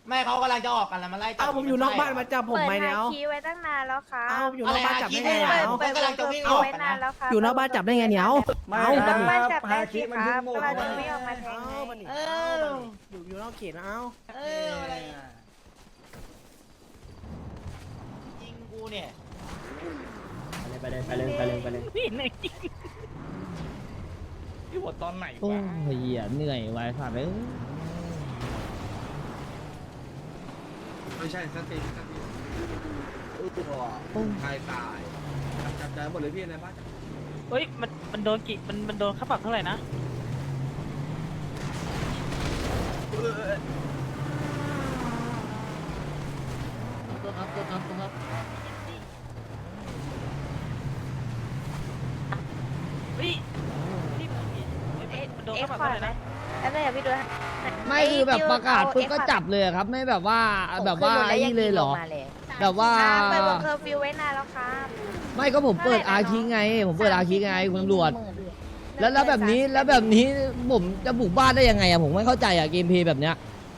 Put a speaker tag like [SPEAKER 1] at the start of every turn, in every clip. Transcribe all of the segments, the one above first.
[SPEAKER 1] แม่เขากำลังจะออกกันแล้วมาไล่จับ
[SPEAKER 2] เอ้าผมอยู่นอกบ้านมาจับผม
[SPEAKER 3] เปิด
[SPEAKER 2] ไหม
[SPEAKER 3] ฮา
[SPEAKER 2] เนี่ยเอา
[SPEAKER 3] คีไว้ตั้งนานแล้วค่ะ
[SPEAKER 2] เอ้าอยู่นอกบ้านจับได้ไง
[SPEAKER 1] อะไร
[SPEAKER 2] เนี่ย
[SPEAKER 1] อะ
[SPEAKER 2] เอา
[SPEAKER 3] เปิด
[SPEAKER 1] กำลังจะวิ่งอ
[SPEAKER 3] เอา
[SPEAKER 1] อก
[SPEAKER 3] ไว้นานแล้วค่ะ
[SPEAKER 2] อยู่นอกบ้านจับได้ไงเนี่ยเอา
[SPEAKER 4] ไม่
[SPEAKER 2] เอา
[SPEAKER 4] ค
[SPEAKER 2] บั
[SPEAKER 4] รั
[SPEAKER 2] น
[SPEAKER 4] บ
[SPEAKER 2] นี้
[SPEAKER 3] บ้านจับได้
[SPEAKER 4] ฮา
[SPEAKER 3] สิ
[SPEAKER 4] คิมัน
[SPEAKER 3] ค
[SPEAKER 4] เพิ่
[SPEAKER 3] รั
[SPEAKER 4] ง
[SPEAKER 3] บ
[SPEAKER 4] โง่
[SPEAKER 3] เราจะวิ่งออกมาแทง
[SPEAKER 2] เอา
[SPEAKER 3] ไง
[SPEAKER 2] บันนี้
[SPEAKER 1] เอ
[SPEAKER 2] เอา
[SPEAKER 1] อ
[SPEAKER 2] อยู่นอกเขตนะเอา
[SPEAKER 1] เอออะไรอะยิงกูเนี่ย
[SPEAKER 4] ไปเลยไปเลยไปเลยไปเลย
[SPEAKER 5] นี่เหนื่อยจริงพี่หมดตอนไหน
[SPEAKER 6] โอ้
[SPEAKER 5] วะ
[SPEAKER 6] ยเหี้ยเหนื่อยไว้สัตว์เลย
[SPEAKER 7] ไม่ใช่สติตายตายจับใจหมดเลยพี่ในบ้าน
[SPEAKER 5] เฮ้ยมันโดนกี่มันโดนค่าปรับเท่าไหร่นะ
[SPEAKER 7] ตัวครับตัวครับตัวครับ
[SPEAKER 5] เฮ้ยนี่มันโดน
[SPEAKER 3] เอ็
[SPEAKER 5] ค่าก ปรับ
[SPEAKER 3] ขวา
[SPEAKER 5] เท่าไหร่
[SPEAKER 3] ไหม
[SPEAKER 5] นะ
[SPEAKER 3] แล้วเดี๋ยวพี่ดูนะ
[SPEAKER 6] ไม่คือแบบประกาศปุ๊บก็จับเลยอะครับ ไม่แบบว่าแบบว่าไอ้นี่เลยเหรอ แบบว่า
[SPEAKER 3] เปิดวงเคอร์ฟิวไว้นานแล้วครับ
[SPEAKER 6] ไม่ก็ผมเปิดอาคีไง ผมเปิดอาคีไงคุณตำรวจ แล้วแบบนี้ผมจะบุกบ้านได้ยังไงอะผมไม่เข้าใจอะเกมเพลย์แบบเนี้ย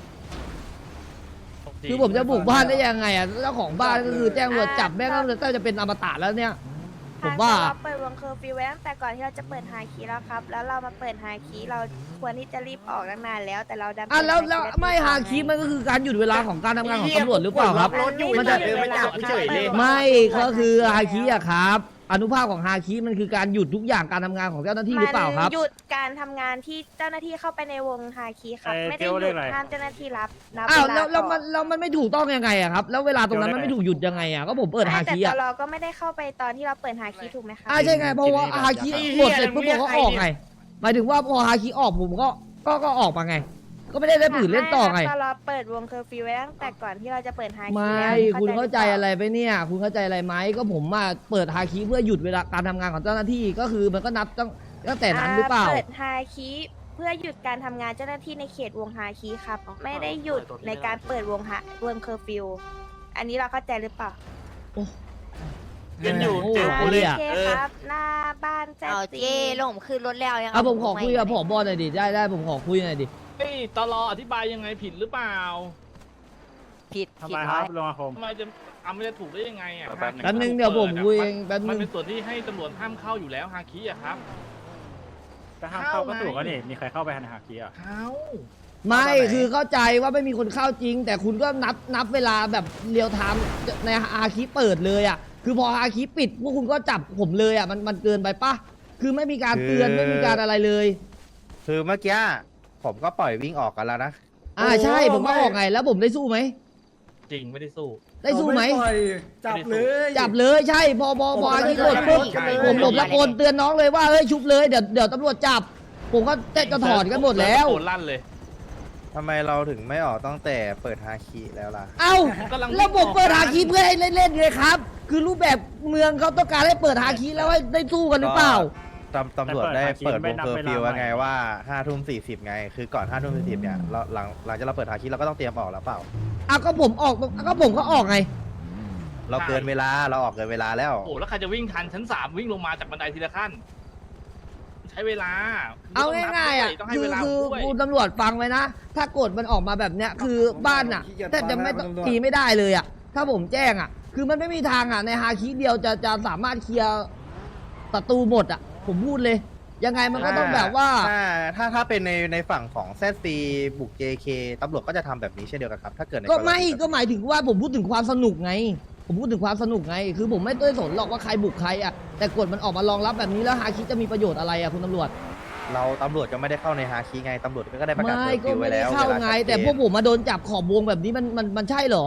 [SPEAKER 6] คือผมจะบุกบ้านได้ยังไงอะเจ้าของบ้านก็คือแจ้งตำรวจจับแม่งก็จะเป็นอมตะแล้วเนี่ยผมว่า
[SPEAKER 3] เราเปิดวงเคอร์ฟิวไว้ตั้งแต่ก่อนที่เราจะเปิดฮาคีแล้วครับ แล้วเรามาเปิดฮาคีเราควรที่จะรีบออกตั้งนานแล้ว แต่เราดัน
[SPEAKER 6] อ่ะแล้วไม่ฮาคีมันก็คือการหยุดเวลาของการทำงานของตำรวจหรือเปล่าครับ
[SPEAKER 1] รถอยู่
[SPEAKER 6] มันจะ
[SPEAKER 1] เดินไปจับเฉยเลย
[SPEAKER 6] ไม่ก็คือฮาคิอะครับอนุภาคของฮาคิมันคือการหยุดทุกอย่างการทำงานของเจ้าหน้าที่หรือเปล่าครับ
[SPEAKER 3] มันหยุดการทำงานที่เจ้าหน้าที่เข้าไปในวงฮาคีครับ ไม่ได้หยุดห้ามเจ้าหน้าที่รับ
[SPEAKER 6] อ้าว
[SPEAKER 3] เ
[SPEAKER 6] แล้วมันไม่ถูกต้องยังไงอะครับแล้วเวลาตรงนั้นมันไม่ถูกหยุดยังไงอะก็ผมเปิดฮา
[SPEAKER 3] แต่
[SPEAKER 6] คิ
[SPEAKER 3] ต
[SPEAKER 6] อะ
[SPEAKER 3] ลอก็ไม่ได้เข้าไปตอนที่เราเปิดฮาคีถูกไหมคะ
[SPEAKER 6] ใช่ไงเพราะว่าฮาคิหมดเสร็จปุ๊บผมก็ออกไงหมายถึงว่าพอฮาคิออกผมก็ออกมาไง ก็ไม่ได้ผืนเล่นต่อไง
[SPEAKER 3] ตลอเปิดวงเคอร์ฟิวไว้ตั้งแต่ก่อนที่เราจะเปิดฮาคี
[SPEAKER 6] ไม่
[SPEAKER 3] แล้ว
[SPEAKER 6] คุณเข้าใจอะไรไปเนี่ย คุณเข้าใจอะไรไหมก็ผมมาเปิดฮาคิเพื่อหยุดเวลาการทำงานของเจ้าหน้าที่ก็คือมันก็นับตั้งแต่นั้นหรือเปล่า
[SPEAKER 3] เปิดฮาคีเพื่อหยุดการทำงานเจ้าหน้าที่ในเขตวงฮาคีครับ ไม่ได้หยุดในการเปิดวงเคอร์ฟิวอันนี้เราเข้าใจหรือเปล่า
[SPEAKER 5] ยังอยู่
[SPEAKER 6] โอ้โห
[SPEAKER 5] เจอกู
[SPEAKER 3] โอ
[SPEAKER 5] เลย
[SPEAKER 3] เคครับ หน้าบ้านแจ๊
[SPEAKER 8] เอา
[SPEAKER 3] จี
[SPEAKER 8] เจ้ลงขึ้นรถแล้วยัง
[SPEAKER 6] อ่ะผมขอคุยกับผบหน่อยดิได้ผมขอคุยหน่อยดิ
[SPEAKER 5] เฮ้ยตลออธิบายยังไงผิดหรือเปล่า
[SPEAKER 8] ผิด
[SPEAKER 4] ทำ
[SPEAKER 8] ผิ
[SPEAKER 4] ไม
[SPEAKER 8] ด
[SPEAKER 4] ค
[SPEAKER 8] ร้
[SPEAKER 4] รั
[SPEAKER 8] อย
[SPEAKER 4] บลงอาคม
[SPEAKER 5] ทำไมจะมันจะถูกได้ยังไงอ่ะ
[SPEAKER 6] แป๊บนึงเดี๋ยวผมคุยเองแป๊บนึ
[SPEAKER 5] มัน
[SPEAKER 6] ง
[SPEAKER 5] เป็นส่วนที่ให้ตำรวจห้ามเข้าอยู่แล้วฮาคิอะครับ
[SPEAKER 4] ก็ห้ามเข้าก็ถูกแล้วนี่มีใครเข้าไปหันหาคีอ่ะ
[SPEAKER 5] เข้า
[SPEAKER 6] ไม่คือเข้าใจว่าไม่มีคนเข้าจริง แต่คุณก็นับเวลาแบบเรียวไทม์ในอาคีเปิดเลยอ่ะคือพออาคีปิดพวกคุณก็จับผมเลยอ่ะมันเกินไปปะคือไม่มีการเตือนไม่มีการอะไรเลย
[SPEAKER 9] คือเมื่อกี้ผมก็ปล่อยวิ่งออกกันแล้วนะ
[SPEAKER 6] ใช่ผมก็ออกไงแล้วผมได้สู้ไหม
[SPEAKER 5] จริงไม่ได้สู้
[SPEAKER 6] ได้สู้ไหม
[SPEAKER 4] จับเลย
[SPEAKER 6] จับเลยใช่พออาคีกดปุ๊บผมตะโกนเตือนน้องเลยว่าเฮ้ยชุบเลยเดี๋ยวตำรวจจับ ผมก็จะถอนกันหมดแล้ว
[SPEAKER 5] โกนลั่นเลย
[SPEAKER 9] ทำไมเราถึงไม่ออกตั้งแต่เปิดฮาคิแล้วล่ะ
[SPEAKER 6] เอ้า
[SPEAKER 5] กำลัง
[SPEAKER 6] ระบบเปิดฮาคีเพื่อให้เล่นๆไงครับ คือรูปแบบเมืองเขาต้องการให้เปิดฮาคีแล้วให้ได้สู้กันหรือเปล่า
[SPEAKER 9] ตำรวจได้เปิดวงเคอร์ฟิวไงว่า5:40ไง คือก่อน5:40เนี่ยเราหลังจากเราเปิดฮาคิเราก็ต้องเตรียมออกแล้วเปล่า
[SPEAKER 6] ก็ผมออกก็ผมก็ออกไง
[SPEAKER 9] เราเกินเวลาเราออกเกินเวลาแล้ว
[SPEAKER 5] โอ้แล้วใครจะวิ่งทันชั้น3วิ่งลงมาจากบันไดทีละขั้น ใช้เวลา
[SPEAKER 6] เอาง่ายๆอ่ะ
[SPEAKER 5] ต้องให้
[SPEAKER 6] คือ
[SPEAKER 5] เวลา
[SPEAKER 6] คือ
[SPEAKER 5] ด้วย
[SPEAKER 6] คุณตำรวจฟังไว้นะ ถ้ากฎมันออกมาแบบเนี้ยคือบ้านอ่ะแต่จะไม่ต้องตีไม่ได้เลยอ่ะ ถ้าผมแจ้งอ่ะ คือมันไม่มีทางอ่ะในฮาคิเดียวจะสามารถเคลียร์ศัตรูหมดอ่ะ ผมพูดเลย ยังไงมันก็ต้องแบบว่า
[SPEAKER 9] ถ้าเป็นในฝั่งของแซดซีบุก JK ตำรวจก็จะทำแบบนี้เช่นเดียวกันครับถ้าเกิดใน
[SPEAKER 6] ก็ไม่
[SPEAKER 9] รณี
[SPEAKER 6] ก็หมายถึงว่าผมพูดถึงความสนุกไง ผมพูดถึงความสนุกไง คือผมไม่ได้สนหรอกว่าใครบุกใครอ่ะแต่กฎมันออกมารองรับแบบนี้แล้วฮาคิจะมีประโยชน์อะไรอ่ะคุณตำรวจ
[SPEAKER 9] เราตำรวจก็ไม่ได้เข้าในฮาคิไงตำรวจก็ได้ประกาศ
[SPEAKER 6] ไม่
[SPEAKER 9] เคอร์ฟิว
[SPEAKER 6] ก็ไม่
[SPEAKER 9] ไว้
[SPEAKER 6] ได้
[SPEAKER 9] แล้ว
[SPEAKER 6] เข้าไง แต่พวกผมมาโดนจับขอบวงแบบนี้มันใช่เหรอ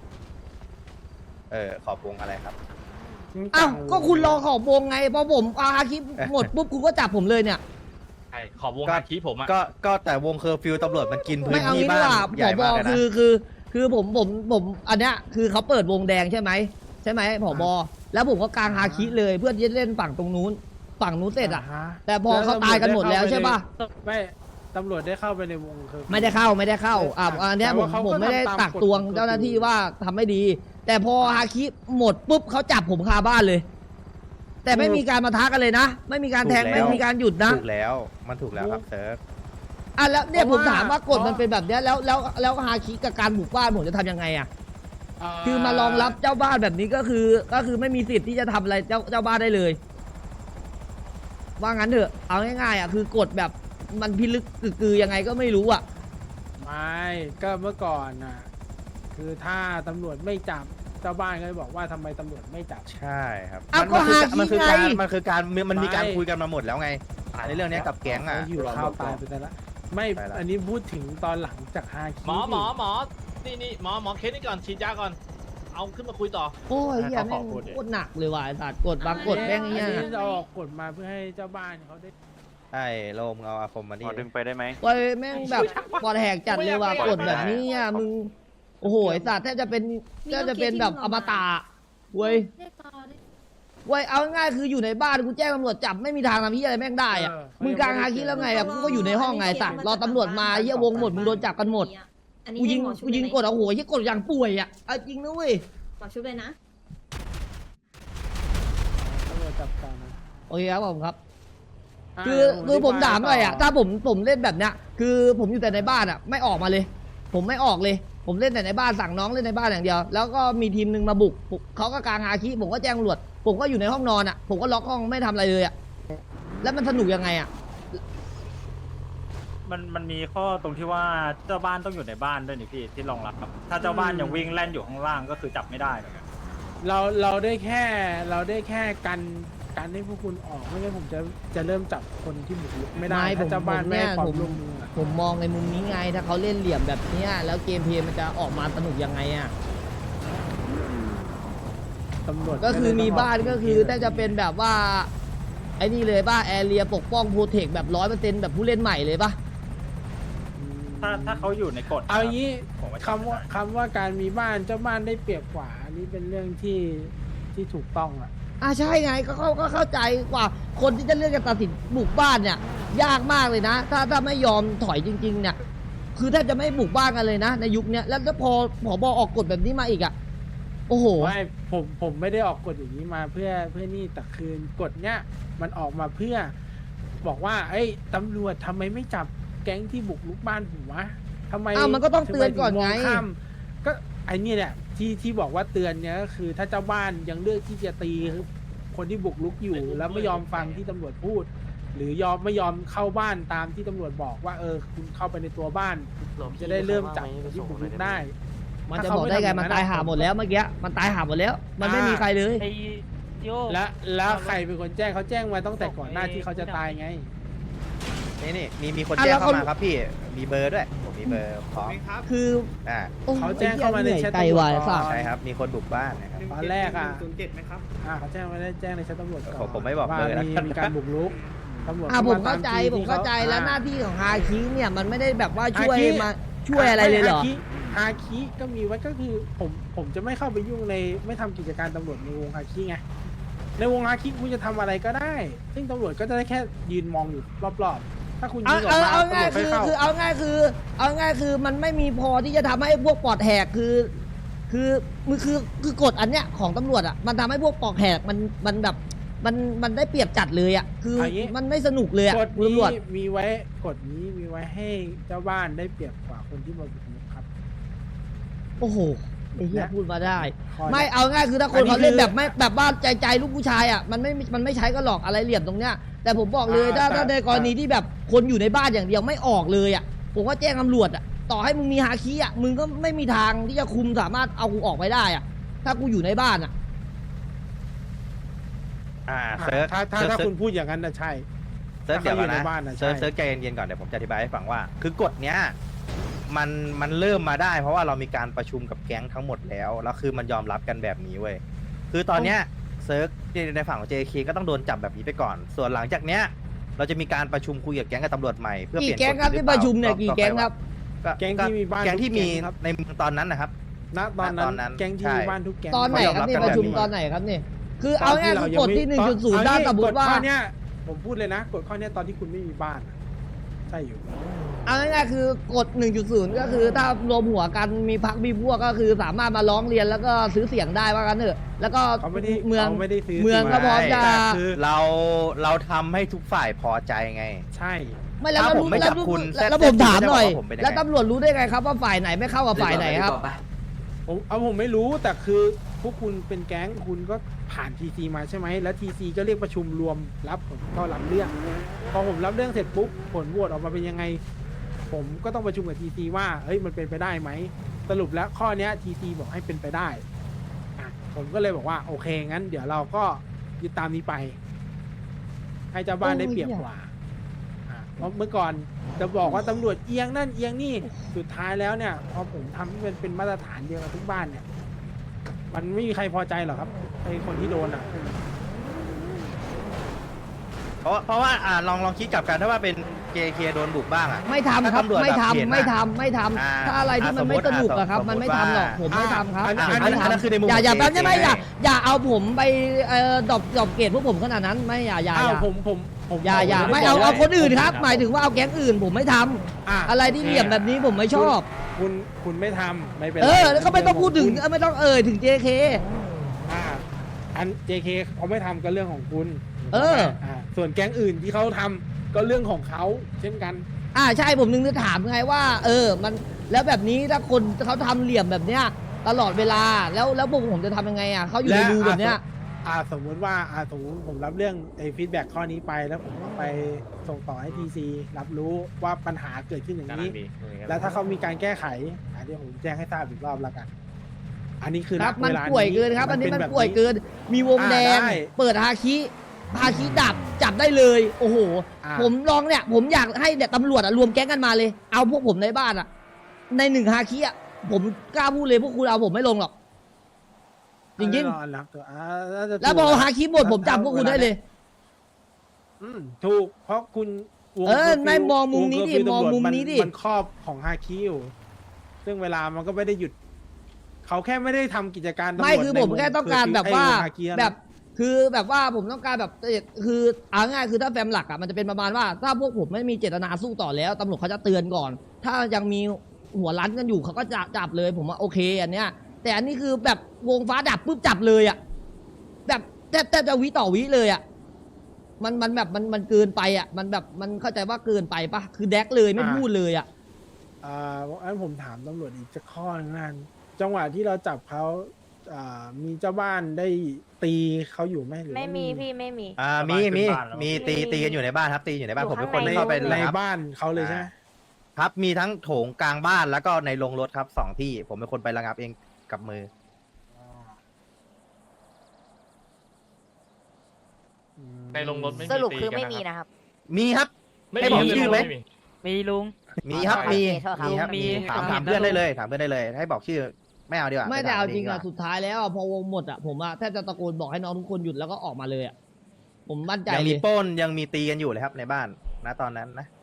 [SPEAKER 9] ขอบวงอะไรครับ
[SPEAKER 6] อ้าวก็คุณรอขอบวงไงพอผมฮาคิหมดปุ๊บคุณก็จับผมเลยเนี่ย
[SPEAKER 5] ใช่ขอบวง
[SPEAKER 9] ก็
[SPEAKER 5] ฮาคิผมอะ
[SPEAKER 9] ก็แต่วงเคอร์ฟิวตำรวจมันกินพื้
[SPEAKER 6] ไม่
[SPEAKER 9] น
[SPEAKER 6] เอา
[SPEAKER 9] ที่
[SPEAKER 6] งี้ดี
[SPEAKER 9] บ้าก
[SPEAKER 6] ว่าน
[SPEAKER 9] ใหญ่
[SPEAKER 6] ผ
[SPEAKER 9] มาก
[SPEAKER 6] บ
[SPEAKER 9] เลยนะ
[SPEAKER 6] คือผมอันเนี้ยคือเขาเปิดวงแดงใช่ไหมผบแล้วผมก็กางฮาคิเลยเพื่อที่จะเล่นฝั่งตรงนู้นเสร็จอ่ะ แต่พอเขาตายกันหมดแล้วใช่ป่ะ
[SPEAKER 4] ไม่ตำรวจได้เข้าไปในวงเคอร์ฟิว
[SPEAKER 6] ไม่ได้เข้าอันเนี้ย
[SPEAKER 4] แต่ว่าเขาก็
[SPEAKER 6] ผมไม่ได้
[SPEAKER 4] ทำตาม
[SPEAKER 6] ตักตวง
[SPEAKER 4] กฎ
[SPEAKER 6] เจ้าหน้าที่ว่าทำไม่ดี แต่พอฮาคิหมดปุ๊บเขาจับผมคาบ้านเลย แต่ไม่มีการมาท้ากันเลยนะ ไม่มีการแทงไม่มีการหยุดนะ
[SPEAKER 9] ถูกแล้วมันถูกแล้วครับเซิร์ฟ
[SPEAKER 6] อ่ะแล้วเนี่ยผมถามว่ากฎมันเป็นแบบเนี้ยแล้วฮาคิกับการบุกบ้านผมจะทำยังไงอ่ะคือมารองรับเจ้าบ้านแบบนี้ก็คือไม่มีสิทธิ์ที่จะทำอะไรเจ้าบ้านได้เลย ว่างั้นเถอะเอาง่ายๆอ่ะคือกฎแบบมันพิลึกกึกยังไงก็ไม่รู้อ่ะ
[SPEAKER 10] ไม่ก็เมื่อก่อนน่ะคือถ้าตำรวจไม่จับเจ้าบ้านก็จะบอกว่าทำไมตำรวจไม่จับ
[SPEAKER 9] ใช่ครับ
[SPEAKER 6] อ้าวก็หา
[SPEAKER 9] มันคือ
[SPEAKER 6] ที่
[SPEAKER 9] การ
[SPEAKER 6] ไง
[SPEAKER 9] มันคือการมันมีการ
[SPEAKER 10] ไม่
[SPEAKER 9] คุยกันมาหมดแล้วไงในเรื่องเนี้ยกับแก๊งอ่ะ
[SPEAKER 10] เขาอยู่ข้าวตายไปแต่ละไม่
[SPEAKER 9] ไปละ
[SPEAKER 10] อันนี้พูดถึงตอนหลังจากฮาคิ
[SPEAKER 5] หมอนี่หมอเคสนี่ก่อนฉีดยาก่อน เอาขึ้นมาคุยต่อ
[SPEAKER 6] โอ้ยเฮียแม่งโคตรหนักเลยว่ะไอ้สัตว์กฎบางกฎแม่ง
[SPEAKER 10] อัน
[SPEAKER 6] เนี้ย
[SPEAKER 10] นี้เราออกกฎมาเพื่อให้เจ้าบ้านเขาได้
[SPEAKER 9] ใช่โลมเอาอาคมมาดิ
[SPEAKER 4] ดึงไปได้ไหม
[SPEAKER 6] โอ้ยแม่งแบบปอดแหกจัดเลยว่ะกฎแบบนี้อ่ะมึงโอ้โหไอ้สัตว์แทบจะเป็นแบบอมตะเว้ยเอาง่ายๆคืออยู่ในบ้านกูแจ้งตำรวจจับไม่มีทางทำที่อะไรแม่งได้อ่ะมึงกลางฮาคิแล้วไงอ่ะกูก็อยู่ในห้องไงสัตว์รอตำรวจมาเฮียวงหมดมึงโดนจับกันหมดกูยิงกดเอาโหยกดอย่างป่วยอ่ะเอาจริงนะเว้ย
[SPEAKER 3] ขอชุบเลยนะ
[SPEAKER 10] ตำรวจจับกันนะ
[SPEAKER 6] โอเคครับผมครับ
[SPEAKER 10] ะ
[SPEAKER 6] คือผมถามหน่อยอ่ะ
[SPEAKER 10] ต่
[SPEAKER 6] ถ้าผมเล่นแบบเนี้ยคือผมอยู่แต่ในบ้านอ่ะไม่ออกมาเลย ผมไม่ออกเลย ผมเล่นแต่ในบ้านสั่งน้องเล่นในบ้านอย่างเดียวแล้วก็มีทีมหนึ่งมาบุกเขาก็กางฮาคิผมก็แจ้งตำรวจผมก็อยู่ในห้องนอนอ่ะผมก็ล็อกห้องไม่ทำอะไรเลยอ่ะแล้วมันสนุกยังไงอ่ะ
[SPEAKER 4] มันมีข้อตรงที่ว่าเจ้าบ้านต้องอยู่ในบ้านด้วยนี่พี่ที่รองรับครับถ้าเจ้าบ้านยังวิ่งแล่นอยู่ข้างล่างก็คือจับไม่ได้เหมือนกัน
[SPEAKER 10] เราได้แค่กันให้พวกคุณออกไม่งั้นผมจะเริ่มจับคนที่บุกรุกไม่ได้
[SPEAKER 6] ไม่
[SPEAKER 10] ถ้าเจ้าบ้าน
[SPEAKER 6] ผม
[SPEAKER 10] ไม่ให้ความ
[SPEAKER 6] ผม
[SPEAKER 10] ร่วมมืออะ
[SPEAKER 6] ผมมองในมุมนี้ไงถ้าเขาเล่นเหลี่ยมแบบเนี้ยแล้วเกมเพลย์มันจะออกมาสนุกยังไงอ่ะ
[SPEAKER 10] ตำรวจ
[SPEAKER 6] ก็คือมีบ้านก็คือน่าจะเป็นแบบว่าไอ้นี่เลยป่ะแอเรียปกป้องโปรเทคแบบ100%แบบผู้เล่นใหม่เลยป่ะ
[SPEAKER 4] ถ้าเขาอยู่ในกฎ
[SPEAKER 10] เอาอย่างนี้
[SPEAKER 4] ผมว่า
[SPEAKER 10] คำว่าการมีบ้านเจ้าบ้านได้เปรียบกว่าอันนี้เป็นเรื่องที่ถูกต้องอ่ะ
[SPEAKER 6] ใช่ไงก็เข้าใจกว่าคนที่จะเลือกจะตัดสินบุกบ้านเนี่ยยากมากเลยนะถ้าไม่ยอมถอยจริงๆเนี่ยคือแทบจะไม่บุกบ้านกันเลยนะในยุคเนี้ยแล้วพอผบออกกฎแบบนี้มาอีกอ่ะโอ้โห
[SPEAKER 10] ไม่ผมไม่ได้ออกกฎอย่างนี้มาเพื่อนี่แต่คืนกฎเนี้ยมันออกมาเพื่อ บอกว่าเอ้ยตำรวจทำไมไม่จับแก๊งที่บุกรุกบ้านผมวะทำไม
[SPEAKER 6] มันก็ต้องเตือนก่อนไง
[SPEAKER 10] ทำมถึมข้ามก็ไอ้นี่แหละที่บอกว่าเตือนเนี้ยก็คือถ้าเจ้าบ้านยังเลือกที่จะตีคนที่บุกรุกอยู่ แล้วไม่ยอมฟังที่ตำรวจพูด หรือไม่ยอมเข้าบ้านตามที่ตำรวจบอกว่าคุณเข้าไปในตัวบ้านจะได้เริ่มจับคนที่บุกรุกได้
[SPEAKER 6] มันจะบอกได้ไงมันตายหาหมดแล้วเมื่อกี้มันตายหาหมดแล้ว มันไม่มีใครเลย
[SPEAKER 10] แล้วใครเป็นคนแจ้งเขาแจ้งมาตั้งแต่ก่อนหน้าที่เขาจะตายไง
[SPEAKER 9] นี่มีคนแจ้งเข้ามาครับพี่มีเบอร์ด้วยผมมีเบอร์ของ
[SPEAKER 6] คือ โอ้ย
[SPEAKER 10] เขาแจ้งเข้ามาในแชท
[SPEAKER 6] ไกลวาย
[SPEAKER 10] ตำรวจ
[SPEAKER 6] สัตว์
[SPEAKER 9] ใช่ครับมีคนบุกบ้านนะครับ
[SPEAKER 10] ตอนแรกอ่ะ
[SPEAKER 7] 07ไหมครับ
[SPEAKER 10] เขาแจ้งมาได้แจ้งในชั้นตำรวจก่อน
[SPEAKER 9] ผมไม่บอก
[SPEAKER 10] ว่า
[SPEAKER 9] เลยนะ
[SPEAKER 10] มีการบุกรุกตำรวจ
[SPEAKER 6] ผมเข้าใจ
[SPEAKER 10] ต
[SPEAKER 6] ผมเข้าใจ
[SPEAKER 10] ที่
[SPEAKER 6] แล้วหน้าที่ของฮาคิเนี่ยมันไม่ได้แบบว่าช่วย
[SPEAKER 10] ฮาคิ
[SPEAKER 6] มาช่วยอะไรเลยเหรอ
[SPEAKER 10] ฮาคิก็มีไว้ก็คือผมจะไม่เข้าไปยุ่งในไม่ทำกิจการตำรวจในวงฮาคิไงในวงฮาคิคุณจะทำอะไรก็ได้ ซึ่งตำรวจก็จะได้แค่ยืนมองอยู่รอบๆถ้าคุณยืนออกมา
[SPEAKER 6] เอา
[SPEAKER 10] ตำร
[SPEAKER 6] ง่ายว
[SPEAKER 10] จไม่เข้า
[SPEAKER 6] เอาง่ายคือมันไม่มีพอที่จะทำให้พวกปอดแหกคือกฎอันเนี้ยของตำรวจอ่ะมันทำให้พวกปอดแหกมันแบบมันได้เปรียบจัดเลยอ่ะคืออย่างงี้มันไม่สนุกเลยอ่ะ
[SPEAKER 10] กฎ
[SPEAKER 6] ตำรวจ
[SPEAKER 10] นี้มีไว้ให้เจ้าบ้านได้เปรียบกว่าคนที่มาบุกรุกครับ
[SPEAKER 6] โอ้โหไอ้เหี้ย
[SPEAKER 10] และ
[SPEAKER 6] พูดมาได้
[SPEAKER 10] คอย
[SPEAKER 6] ไม่เอาง่ายคือถ้าคน
[SPEAKER 10] อันนี้
[SPEAKER 6] เขาเล่น
[SPEAKER 10] คือ
[SPEAKER 6] แบบไม่แบบว่าใจลูกผู้ชายอ่ะมันไม่ใช้ก็หรอกอะไรเหลี่ยมตรงเนี้ยแต่ผมบอกเลยถ้าในกรณีที่แบบคนอยู่ในบ้านอย่างเดียวไม่ออกเลยอ่ะผมก็แจ้งตำรวจอ่ะต่อให้มึงมีฮาคิอ่ะมึงก็ไม่มีทางที่จะคุมสามารถเอากูออกไปได้อ่ะถ้ากูอยู่ในบ้านอ่ะ
[SPEAKER 9] เซิร์ช
[SPEAKER 10] ถ้าคุณพูดอย่างนั้นนะใช่
[SPEAKER 9] เซิร์ชเดี๋ยวก่อน
[SPEAKER 10] ถ้าเขาอยู่
[SPEAKER 9] นะ
[SPEAKER 10] ในบ้านน่ะ
[SPEAKER 9] เซิร์ช
[SPEAKER 10] ใช่
[SPEAKER 9] เซิร์ชใจเย็นๆก่อนเดี๋ยวผมจะอธิบายให้ฟังว่า คือกฎเนี้ยมันเริ่มมาได้ เพราะว่าเรามีการประชุมกับแก๊งทั้งหมดแล้วแล้วคือมันยอมรับกันแบบนี้เว้ยคือตอนเนี้ยเซิร์ชในฝั่งของ JK ก็ต้องโดนจับแบบนี้ไปก่อน ส่วนหลังจากเนี้ยเราจะมีการประชุมคุยกับแก๊งกับตำรวจใหม่เพื่อเปลี่ยน
[SPEAKER 6] กี่แก๊งครับ
[SPEAKER 9] กฎหอ
[SPEAKER 6] ที่
[SPEAKER 9] เป
[SPEAKER 6] ป
[SPEAKER 9] ล่า
[SPEAKER 6] ระชุมเนี่ย
[SPEAKER 9] ต่อ
[SPEAKER 6] กี่
[SPEAKER 9] ต่อไป
[SPEAKER 6] แก๊งครับ
[SPEAKER 10] แก๊งที่มีบ้าน
[SPEAKER 9] แก๊งที่มี
[SPEAKER 10] ทุกแก๊งครับ
[SPEAKER 9] ในเมืองตอนนั้นนะครับ
[SPEAKER 10] ณตอน
[SPEAKER 9] ณตอนนั้
[SPEAKER 10] นั้น นแก๊งที่มีบ้านทุกแก๊ง
[SPEAKER 6] ตอนไหนครับนี่
[SPEAKER 9] เขายอมรับกัน
[SPEAKER 6] ประชุม
[SPEAKER 9] แบบนี้
[SPEAKER 6] ตอนไหนครับนี่คือเอาง่ายคือกฎที่ 1.0ถ้าสมมติว่า
[SPEAKER 10] กฎข้อเนี้ยผมพูดเลยนะกฎข้อเนี้ยตอนที่คุณไม่มีบ้านอะใช่อยู่
[SPEAKER 6] เอาง่ายๆคือกฎ 1.0 ก็คือถ้ารวมหัวกันมีพักมีพวกก็คือสามารถมาร้องเรียนแล้วก็ซื้อเสียงได้ว่ากันเถอะแล้วก็
[SPEAKER 10] เขาไม่ได้
[SPEAKER 6] เมือง
[SPEAKER 10] เขาไม่ได้ซื้อ
[SPEAKER 6] เมืองก็พร้อมจะ
[SPEAKER 10] แต่คือ
[SPEAKER 9] เราทำให้ทุกฝ่ายพอใจไง
[SPEAKER 10] ใช่
[SPEAKER 6] ไม่แล้ว
[SPEAKER 9] ถ้าผมไม่จับคุณ
[SPEAKER 6] แล้วผมถามหน่อย
[SPEAKER 9] จะบอกว่าผมเป็นยังไง
[SPEAKER 6] แล้วตำรวจรู้ได้ไงครับว่าฝ่ายไหนไม่เข้ากับฝ่ายไหนครับ
[SPEAKER 10] ผมไม่รู้แต่คือพวกคุณเป็นแก๊งคุณก็ผ่านทีซีมาใช่ไหมแล้วทีซีก็เรียกประชุมรวมรับผมก็รับเรื่องพอผมรับเรื่องเสร็จปุ๊บผลโหวตออกมาเป็นยังไง ผมก็ต้องประชุมกับทีซีว่าเฮ้ยมันเป็นไปได้ไหมสรุปแล้วข้อเนี้ยทีซีบอกให้เป็นไปได้อ่ะผมก็เลยบอกว่าโอเคงั้น เดี๋ยวเราก็ยึดตามนี้ไป ให้เจ้าบ้านได้เปรียบกว่าเพราะเมื่อก่อนจะบอกว่าตำรวจเอียงนั่นเอียงนี่สุดท้ายแล้วเนี่ยพอผมทำให้มันเป็นมาตรฐานเดียวกับทุกบ้านเนี่ย มันไม่มีใครพอใจหรอกครับไอ้คนที่โดนอ่ะ
[SPEAKER 9] เพราะว่าลองคิดกลับกันถ้าว่าเป็น JK โดนบุกบ้างอ่ะ
[SPEAKER 6] ไม่ทำครับ
[SPEAKER 9] ถ้าตำรวจ
[SPEAKER 6] ไม่
[SPEAKER 9] แบบเห็น
[SPEAKER 6] ทำ
[SPEAKER 9] อะ
[SPEAKER 6] ไม่ทำไม่ทำ
[SPEAKER 9] อ่า
[SPEAKER 6] ถ้าอะไรที่มันไม่สนุกอะครับ มันไม่ทำหรอกผมไม่ทำครับ
[SPEAKER 10] อันนั้น
[SPEAKER 6] ผมไม่
[SPEAKER 9] อันนั้น
[SPEAKER 6] ทำ
[SPEAKER 9] คือในมุม
[SPEAKER 6] อย่า
[SPEAKER 9] ของ
[SPEAKER 6] แป๊บ
[SPEAKER 9] JK
[SPEAKER 6] ได้ไหมอย่าเอาผมไปดรอปเกรดพวกผมขนาดนั้นไม่อย่า
[SPEAKER 10] อ้าวผม
[SPEAKER 6] อย่าไม่เอาคนอื่นครับ หมายถึงว่าเอาแก๊งอื่นผมไม่ทำอะไรที่เหลี่ยมแบบนี้ผมไม่ชอบ
[SPEAKER 10] คุณไม่ทำไม่เป็นไร
[SPEAKER 6] แล้วก็ไม่ต้องพูดถึงไม่ต้องถึง JK
[SPEAKER 10] อัน JK เขาไม่ทำก็เรื่องของคุณ ส่วนแก๊งอื่นที่เขาทำก็เรื่องของเขาเช่นกัน
[SPEAKER 6] ใช่ผมนึงจะถามไงว่ามันแล้วแบบนี้ถ้าคนเขาทำเหลี่ยมแบบเนี้ยตลอดเวลาแล้วพวกผมจะทำยังไงเขาอยู่ในรูแบบเนี้ย
[SPEAKER 10] สมมติว่าสมมติผมรับเรื่องฟีดแบ็กข้อนี้ไปแล้วผมก็ไปส่งต่อให้ทีซีรับรู้ว่าปัญหาเกิดขึ้นอย่างนี้ แล้วถ้าเขามีการแก้ไขเดี๋ยวผมแจ้งให้ทราบอีกรอบแล้วกัน อันนี้คือ
[SPEAKER 6] ครับ
[SPEAKER 10] ณ
[SPEAKER 6] มัน
[SPEAKER 10] เวลา
[SPEAKER 6] ป่วยเกินครับ อันนี้มันป่วยเกิน มีวงแดง
[SPEAKER 10] ได้
[SPEAKER 6] เปิดฮาคิดับจับได้เลยโอ้โห ผมลองเนี่ยผมอยากให้ตำรวจรวมแก๊งกันมาเลยเอาพวกผมในบ้านในหนึ่งฮาคิผมกล้าพูดเลยพวกคุณเอาผมไม่ลงหรอกจริงๆแล้วพอฮาคิหมดผมจับพวกคุณได้เลย
[SPEAKER 10] ถูกเพราะคุณวง
[SPEAKER 6] ไม่มองมุมนี้ดิมองมุมนี้ดิ
[SPEAKER 10] มันครอบของฮาคิอยู่ซึ่งเวลามันก็ไม่ได้หยุดเขาแค่ไม่ได้ทำกิจการตำรวจ
[SPEAKER 6] ไม่คือผมแค่ต้องการแบบว่า
[SPEAKER 10] ฮาคินะ
[SPEAKER 6] แบบคือแบบว่าผมต้องการแบบคือเอาง่ายคือถ้าแฟมหลักมันจะเป็นประมาณว่าถ้าพวกผมไม่มีเจตนาสู้ต่อแล้วตำรวจเขาจะเตือนก่อน ถ้ายังมีหัวรั้นกันอยู่เขาก็จะจับเลยผมว่าโอเคอันเนี้ยแต่อันนี้คือแบบวงฟ้าดับปุ๊บจับเลยแบบแทบจะวิต่อวิเลยมันแบบมันเกินไปมันแบบมันเข้าใจว่าเกินไปปะคือแดกเลยไม่พูดเลย
[SPEAKER 10] อันผมถามตำรวจอีกจะข้อนึงนั่นจังหวะที่เราจับเขามีเจ้าบ้านได้ตีเขาอยู่ไหมหรือว่า
[SPEAKER 3] ไม่มีพี่ไม่มี
[SPEAKER 9] มีตีกันอยู่ในบ้านครับตีอยู่ในบ้าน
[SPEAKER 3] อยู่
[SPEAKER 9] ผมเป็น
[SPEAKER 3] ข้าง
[SPEAKER 9] คน
[SPEAKER 3] ใน
[SPEAKER 9] เข้าไป
[SPEAKER 10] ใน
[SPEAKER 9] ครับ
[SPEAKER 10] บ้านเขาเลยใช่ไหม
[SPEAKER 9] ครับ มีทั้งโถงกลางบ้านแล้วก็ในโรงรถครับ2ที่ผมเป็นคนไประงับเองกับมือ
[SPEAKER 5] ในโรงรถไม่มี
[SPEAKER 8] สรุป
[SPEAKER 5] ตี
[SPEAKER 8] คือ
[SPEAKER 5] กัน
[SPEAKER 8] ไม่
[SPEAKER 5] นะ
[SPEAKER 8] มี
[SPEAKER 5] ครับ
[SPEAKER 8] นะครับ
[SPEAKER 9] มีครับ
[SPEAKER 5] ไม่
[SPEAKER 9] ให้
[SPEAKER 5] มี
[SPEAKER 9] บอกชื่อไหม
[SPEAKER 5] ไม่มี
[SPEAKER 2] มีลุง
[SPEAKER 9] มีครับ
[SPEAKER 8] โอเค
[SPEAKER 9] มี
[SPEAKER 8] โทษครับ
[SPEAKER 9] ครับ
[SPEAKER 2] มี
[SPEAKER 9] ถามเพื่อนได้เลยถามเพื่อนได้เลย ให้บอกชื่อไม่เอาดีกว่า
[SPEAKER 6] ไม่แต่เอาจริง
[SPEAKER 9] ดีกว่
[SPEAKER 6] สุดท้ายแล้วพอวงหมดผมแทบจะตะโกนบอกให้น้องทุกคนหยุดแล้วก็ออกมาเลยผมมั่นใจ
[SPEAKER 9] ยัง
[SPEAKER 6] เล
[SPEAKER 9] มี
[SPEAKER 6] ย
[SPEAKER 9] ปล้นยังมีตีกันอยู่เลยครับในบ้านนะตอนนั้นนะ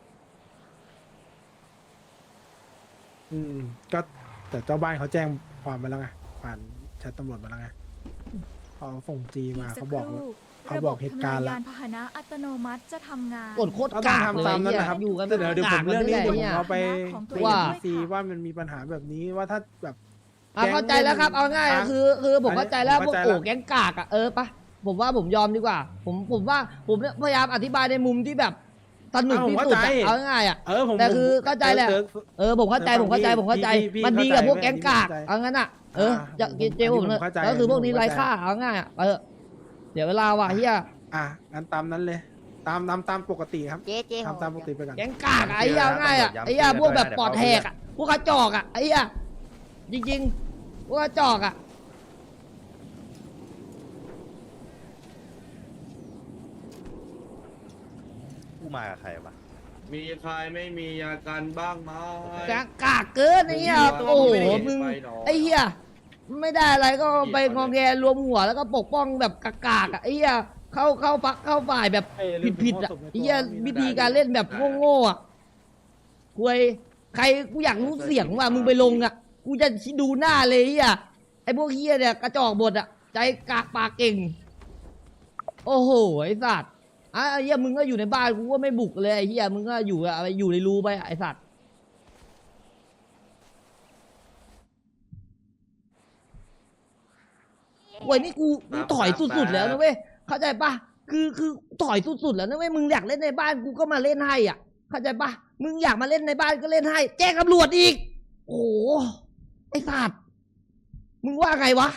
[SPEAKER 10] ก็แต่เจ้าบ้านเขาแจ้งความมาแล้วไงผ่านแชทตำรวจมาแล้วไงพอส่งจีมาเขาบอกเหตุการณ์
[SPEAKER 11] ระบบ
[SPEAKER 10] ละ
[SPEAKER 11] ทำงานยานพาหนะอัตโนมัติจะทำงาน
[SPEAKER 6] กดโคตร
[SPEAKER 10] ก็ต้อง
[SPEAKER 6] กากเลย
[SPEAKER 10] ทำตามนั้นนะครับ
[SPEAKER 6] อยู่กัน
[SPEAKER 10] เดี๋ยวผมเรื่องนี้เดี๋ยวผมเอาไป
[SPEAKER 11] ของตัว
[SPEAKER 10] คุย
[SPEAKER 11] เอง
[SPEAKER 10] กับทีซีว่ามันมีปัญหาแบบนี้ว่าถ้าแบบ
[SPEAKER 6] เข้าใจแล้วครับเอาง่ายคือผมเข้าใจแล้วพวกโอ้แก๊งกากปะผมว่าผมยอมดีกว่า ผมว่าผมพยายามอธิบายในมุมที่แบบสนุกที่สุดเอาง่ายแต่คือเข้าใจแหละผมเข้าใจมันดีกับพวกแก๊งกากเอางั้นจะเจผมเลยก็คือพวกนี้ไร้ค่าเอาง่ายเดี๋ยวเวลาว่ะเฮีย
[SPEAKER 10] งั้นตามนั้นเลย ตามปกติครับ
[SPEAKER 8] เจ๊
[SPEAKER 10] ทำตามปกติไปก่อน
[SPEAKER 6] แก๊งกากไอ้เหี้ยง่ายไอ้เหี้ยพวกแบบปอดแหกพวกกระจอกไอ้เหี้ยจริงๆพวกกระจอก
[SPEAKER 9] ผู้มากับใครวะ
[SPEAKER 7] มีใครไม่มีอาการบ้างไหม
[SPEAKER 6] กากเกินไอ้เหี้ยโอ้โหมึงไอ้เหี้ยไม่ได้อะไรก็ไปงอแงรวมหัวแล้วก็ปกป้องแบบกากไอ้เหี้ยเข้าฟักเข้าฝ่ายแบบผิดไอ้เหี้ยวิธีการเล่นแบบโง่คุยใครกูอยากรู้เสียงว่ามึงไปลงกูจะดูหน้าเลยไอ้พวกเหี้ยเนี่ยกระจอกบดใจกากปากเก่งโอ้โหไอ้สัตว์ไอ้เหี้ยมึงก็อยู่ในบ้านกูก็ไม่บุกเลยไอ้เหี้ยมึงก็อยู่ในรูไปไอ้สัตว์โว้ยนี่กูถอยสุดๆแล้วนะเว้ยเข้าใจปะคือถอยสุดๆแล้วนะเว้ยมึงอยากเล่นในบ้านกูก็มาเล่นให้เข้าใจปะมึงอยากมาเล่นในบ้านก็เล่นให้ แจ้งตำรวจอีก โอ้โหไอ้สัตว์มึงว่าไงวะ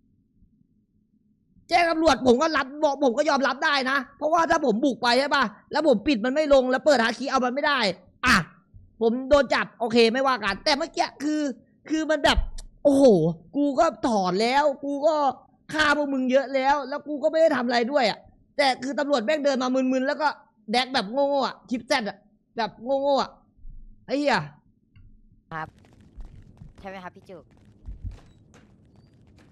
[SPEAKER 6] แจ้งตำรวจผมก็รับบอกผมก็ยอมรับได้นะ เพราะว่าถ้าผมบุกไปใช่ปะแล้วผมปิดมันไม่ลงแล้วเปิดหาคีย์เอามันไม่ได้ อ่ะผมโดนจับโอเคไม่ว่ากัน แต่เมื่อกี้คือมันแบบ โอ้โห กูก็ถอนแล้ว กูก็ฆ่าพวกมึงเยอะแล้ว แล้วกูก็ไม่ได้ทำอะไรด้วยอ่ะ แต่คือตำรวจแม่งเดินมามึนๆแล้วก็แดกแบบโง่ๆอ่ะชิปแซดอ่ะแบบโง่ๆอ่ะไอ้เหี้ย
[SPEAKER 8] ครับ ใช่ไหมครับพี่จุก